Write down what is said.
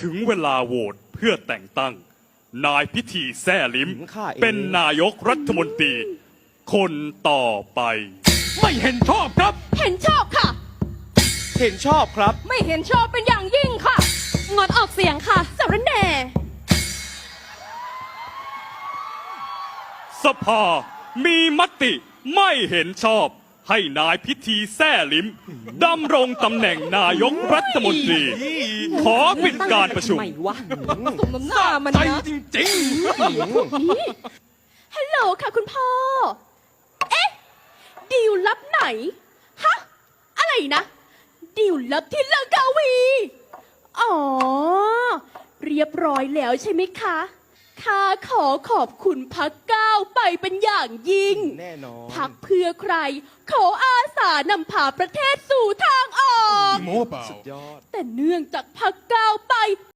ถึงเวลาโหวตเพื่อแต่งตั้ง นายพิธีแซ่ลิ้มข้าเองเป็นนายกรัฐมนตรี คนต่อไปไม่เห็นชอบครับเห็นชอบค่ะเห็นชอบครับไม่เห็นชอบเป็นอย่างยิ่งค่ะ งดออกเสียงค่ะสารแหน่สภามีมติไม่เห็นชอบ ให้นายพิธีแซ่ลิ้มดำรงตำแหน่งนายกรัฐมนตรี ขอปิดการประชุมไม่วะสมน้ำหน้ามันใจนะจริงฮัลโหลค่ะคุณพ่อ เอ๊ะ ดีลลับไหน ฮะ อะไรนะ ดีลลับที่ลังกาวี อ๋อ เรียบร้อยแล้วใช่ไหมคะ ข้าขอขอบคุณพักก้าวไปเป็นอย่างยิ่งแน่นอนพักเพื่อใคร ขออาสานำพาประเทศสู่ทางออกๆโม้เปล่ายอดแต่เนื่องจากพักก้าวไป